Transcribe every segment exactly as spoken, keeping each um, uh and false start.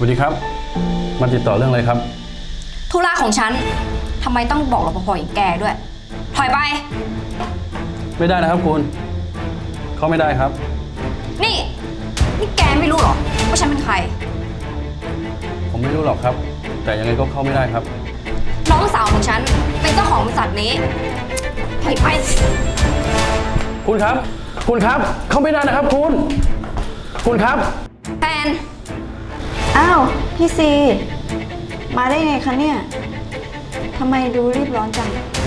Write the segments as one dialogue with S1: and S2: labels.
S1: วัสดีครับมาติดต่อเรื่องอะไรครับ
S2: ธุระของฉันทำไมต้องบอกรปภอย่างแกด้วย ถอยไป
S1: ไม่ได้นะครับคุณเขาไม่ได้ครับ
S2: นี่นี่แกไม่รู้หรอว่าฉันเป็นใคร
S1: ผมไม่รู้หรอกครับแต่ยังไงก็เข้าไม่ได้ครับ
S2: น้องสาวของฉันเป็นเจ้าของบริษัทนี้ถอยไป
S1: คุณครับคุณครับเข้าไม่ได้นะครับคุณคุณครับ
S2: แฟน
S3: อ้าวพี่ซีมาได้ไงคะเนี่ยทำไมดูรีบร้อนจัง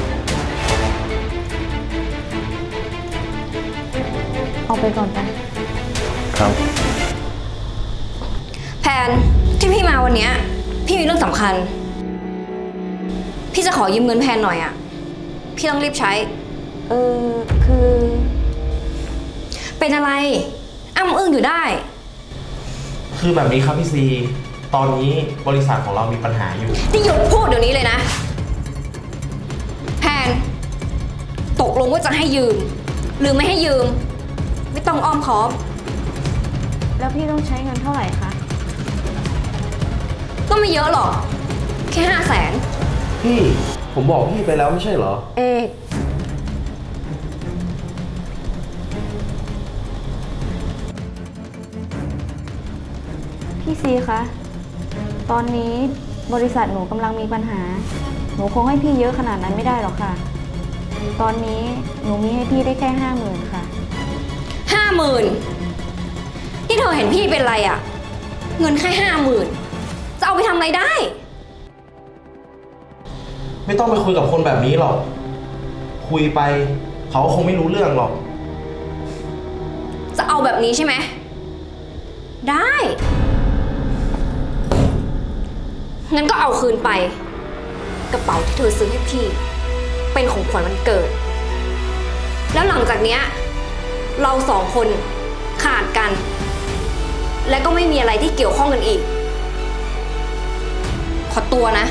S3: เอาไปก่อนไป
S1: ครับ
S2: แพนที่พี่มาวันนี้พี่มีเรื่องสำคัญพี่จะขอยืมเงินแพนหน่อยอ่ะพี่ต้องรีบใช้
S3: เออคือ
S2: เป็นอะไรอ้ำอึ้งอยู่ได้
S4: คือแบบนี้ครับพี่ซีตอนนี้บริษัทของเรามีปัญหาอยู่
S2: นี่หยุดพูดเดี๋ยวนี้เลยนะแพนตกลงว่าจะให้ยืมหรือไม่ให้ยืมไม่ต้องอ้อมค้อม
S3: แล้วพี่ต้องใช้เงินเท่าไหร่คะ
S2: ก็ไม่เยอะหรอกแค่ห้าแสน
S4: พี่ผมบอกพี่ไปแล้วไม่ใช่เหรอ
S3: เอกพี่ซีคะตอนนี้บริษัทหนูกำลังมีปัญหาหนูคงให้พี่เยอะขนาดนั้นไม่ได้หรอกค่ะตอนนี้หนูมีให้พี่ได้แค่ห้าหมื่นค่ะ
S2: ห้าหมื่นที่เธอเห็นพี่เป็นไรอะเงินแค่ห้าหมื่นจะเอาไปทำอะไรได้
S4: ไม่ต้องไปคุยกับคนแบบนี้หรอกคุยไปเขาคงไม่รู้เรื่องหรอก
S2: จะเอาแบบนี้ใช่ไหมได้งั้นก็เอาคืนไปกระเป๋าที่เธอซื้อให้พี่เป็นของขวัญวันเกิดแล้วหลังจากเนี้ยเราสองคนขาดกันและก็ไม่มีอะไรที่เกี่ยวข้องกันอีกขอตัวนะ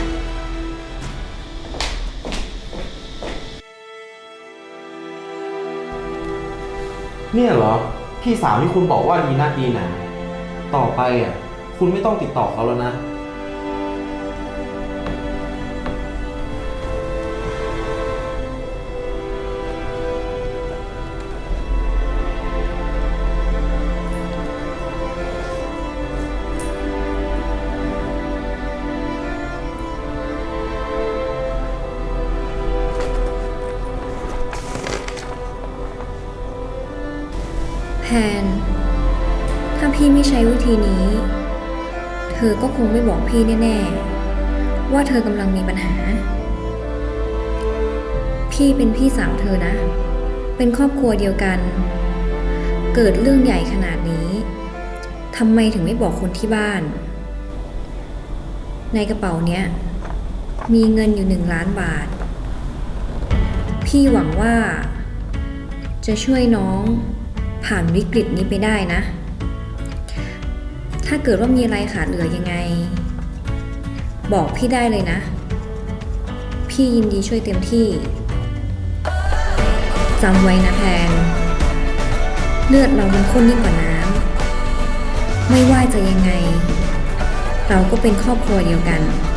S4: เนี่ยเหรอพี่สาวที่คุณบอกว่าดีนักดีหนาต่อไปอ่ะคุณไม่ต้องติดต่อเขาแล้วนะ
S2: แพนถ้าพี่ไม่ใช้วิธีนี้เธอก็คงไม่บอกพี่แน่ๆว่าเธอกำลังมีปัญหาพี่เป็นพี่สาวเธอนะเป็นครอบครัวเดียวกันเกิดเรื่องใหญ่ขนาดนี้ทำไมถึงไม่บอกคนที่บ้านในกระเป๋าเนี้ยมีเงินอยู่หนึ่งล้านบาทพี่หวังว่าจะช่วยน้องผ่านวิกฤตนี้ไปได้นะถ้าเกิดว่ามีอะไรขาดเหลือยังไงบอกพี่ได้เลยนะพี่ยินดีช่วยเต็มที่จำไว้นะแพนเลือดเรามันข้นยิ่งกว่าน้ำไม่ว่าจะยังไงเราก็เป็นครอบครัวเดียวกัน